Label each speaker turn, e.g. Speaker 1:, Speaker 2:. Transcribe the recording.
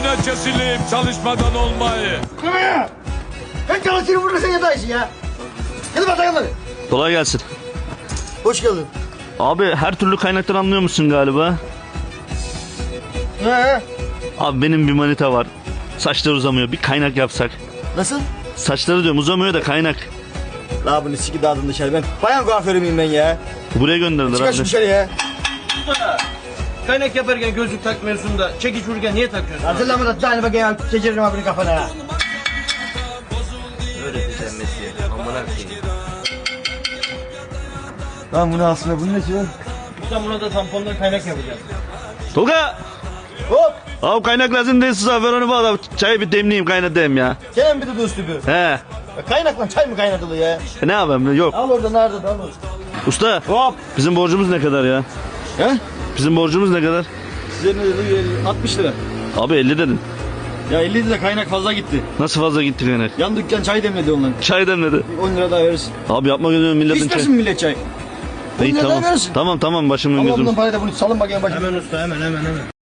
Speaker 1: Önüne kesilip çalışmadan olmayı.
Speaker 2: Kıvaya! Ben çalışırım burada sen yataysın ya. Gel bakalım hadi.
Speaker 3: Kolay gelsin.
Speaker 2: Hoş geldin.
Speaker 3: Abi her türlü kaynaktan anlıyor musun galiba?
Speaker 2: He.
Speaker 3: Abi benim bir manita var. Saçları uzamıyor. Bir kaynak yapsak.
Speaker 2: Nasıl?
Speaker 3: Saçları diyorum uzamıyor da kaynak.
Speaker 2: La bunu siki dağıdın dışarı ben. Bayan kuaförü müyüm ben ya?
Speaker 3: Buraya gönderdiler
Speaker 2: Çıkar şu
Speaker 3: abi.
Speaker 2: dışarı ya.
Speaker 4: Kaynak yaparken gözlük takmıyorsun da çekiç vururken niye takıyorsun?
Speaker 2: Hazırlama da tane bakayım geçiririm abinin kafana.
Speaker 4: Öğreteceğim mesleği. Amına koyayım.
Speaker 2: Lan bunu aslında bunun nesi var?
Speaker 4: Sen buna da tampondan kaynak yapacağız.
Speaker 3: Tolga!
Speaker 2: Hop!
Speaker 3: Abi kaynak lazım değil size. Ver onu bana. Çayı bir demleyeyim kaynatayım ya.
Speaker 2: Senin bir de üstü bir.
Speaker 3: He.
Speaker 2: Kaynakla çay mı kaynatılı ya?
Speaker 3: Ne yapayım? Yok.
Speaker 2: Al orada nerede al orada.
Speaker 3: Usta.
Speaker 2: Hop!
Speaker 3: Bizim borcumuz ne kadar ya?
Speaker 2: He?
Speaker 3: Bizim borcumuz ne kadar?
Speaker 2: Size ne dedi? 60 lira.
Speaker 3: Abi 50 dedin.
Speaker 2: Ya 50 lira kaynak fazla gitti.
Speaker 3: Nasıl fazla gitti kaynak?
Speaker 2: Yan dükkan çay demledi onların.
Speaker 3: Çay demledi.
Speaker 2: 10 lira daha verirsin.
Speaker 3: Abi yapma gözünü milletin çay.
Speaker 2: İstersin millet çay. 10
Speaker 3: İyi
Speaker 2: lira daha
Speaker 3: tamam.
Speaker 2: verirsin.
Speaker 3: Tamam başımın
Speaker 2: Ama
Speaker 3: gözüm.
Speaker 2: bundan parayı da bunu salın bakayım başına.
Speaker 4: Hemen usta hemen.